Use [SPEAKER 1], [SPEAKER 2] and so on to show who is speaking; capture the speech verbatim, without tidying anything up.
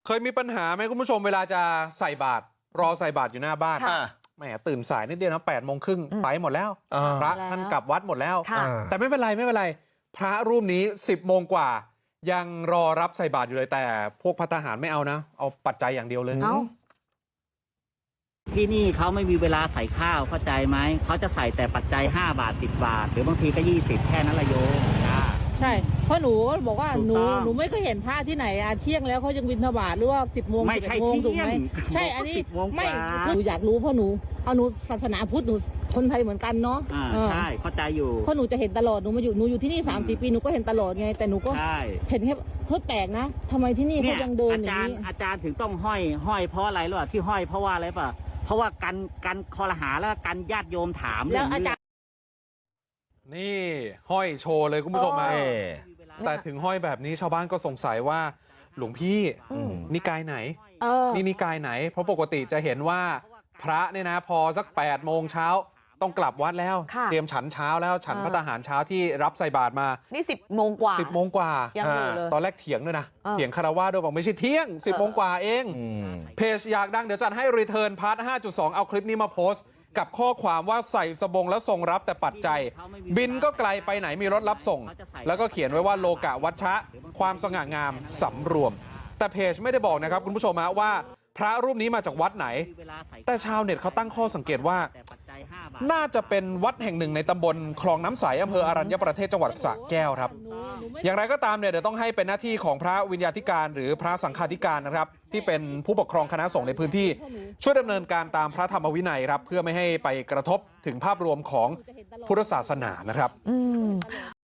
[SPEAKER 1] เคยมีปัญหาไหมคุณผู้ชมเวลาจะใส่บาตรรอใส่บาตรอยู่หน้าบ้านแหมตื่นสายนิดเดียวนะแปดโมงครึ่งไปหมดแล้วพระท่านกลับวัดหมดแล้วแต่ไม่เป็นไรไม่เป็นไรพระรูปนี้สิบโมงกว่ายังรอรับใส่บาตรอยู่เลยแต่พวกภัตตาหารไม่เอานะเอาปัจจัยอย่างเดียวเลย
[SPEAKER 2] ที่นี่เขาไม่มีเวลาใส่ข้าวเข้าใจไหมเขาจะใส่แต่ปัจจัยห้าบาทสิบบาทหรือบางทีก็ยี่สิบแค่นั้นละโยม
[SPEAKER 3] ใช่เพราะหนูก็บอกว่าหนูหนูไม่เคยเห็นพระที่ไหนอะเที่ยงแล้วเขายังบิณฑบาตหรือว่าสิบโมง
[SPEAKER 2] ไม่ใช่
[SPEAKER 3] ถูกไหมใช่อันนี้ไม่หนูอยากรู้เพราะหนูเอาหนูศาสนาพุทธหนูคนไทยเหมือนกันเนาะ
[SPEAKER 2] ใช่เข้าใจอยู่
[SPEAKER 3] เพราะหนูจะเห็นตลอดหนูมาอยู่หนูอยู่ที่นี่สามสี่ปีหนูก็เห็นตลอดไงแต่หนูก็เห็นแค่เพิ่งแปลกนะทำไมที่นี่เขายังเดินอย่างนี้
[SPEAKER 2] อาจารย์ถึงต้องห้อยห้อยเพราะอะไรหรอที่ห้อยเพราะว่าอะไรป่ะเพราะว่ากันกันคอรหาแล้วกันญาติโยมถาม
[SPEAKER 3] แล้วอาจารย์
[SPEAKER 1] นี่ห้อยโชว์เลยคุณผู้ชมมาแต่ถึงห้อยแบบนี้ชาวบ้านก็สงสัยว่าหลวงพี่นิกายไหนนี่นิกายไหนเพราะปกติจะเห็นว่าพระเนี่ยนะพอสักแปดโมงเช้าต้องกลับวัดแล้วเตรียมฉันเช้าแล้วฉันภัตตาหารเช้าที่รับใส่บาตรมา
[SPEAKER 4] นี่สิบโมงกว่า
[SPEAKER 1] สิบโมงกว่า
[SPEAKER 4] ยังอยู่เลย
[SPEAKER 1] ตอนแรกเถียงด้วยนะเถียงคารวะด้วยบอกไม่ใช่เที่ยงสิบโมงกว่าเองเพจอยากดังเดี๋ยวจัดให้รีเทิร์นพาร์ท ห้าจุดสอง เอาคลิปนี้มาโพสต์กับข้อความว่าใส่สบงแล้วทรงรับแต่ปัจจัยบินก็ไกลไปไหนมีรถรับส่งแล้วก็เขียนไว้ว่าโลกะวัชชะความสง่างามสำรวมแต่เพจไม่ได้บอกนะครับคุณผู้ชมว่าพระรูปนี้มาจากวัดไหนแต่ชาวเน็ตเขาตั้งข้อสังเกตว่าน่าจะเป็นวัดแห่งหนึ่งในตำบลคลองน้ำใสอำเภออรัญญประเทศจังหวัดสระแก้วครับอย่างไรก็ตามเนี่ยเดี๋ยวต้องให้เป็นหน้าที่ของพระวิญญาธิการหรือพระสังฆาธิการนะครับที่เป็นผู้ปกครองคณะสงฆ์ในพื้นที่ช่วยดำเนินการตามพระธรรมวินัยครับเพื่อไม่ให้ไปกระทบถึงภาพรวมของพุทธศาสนานะครับ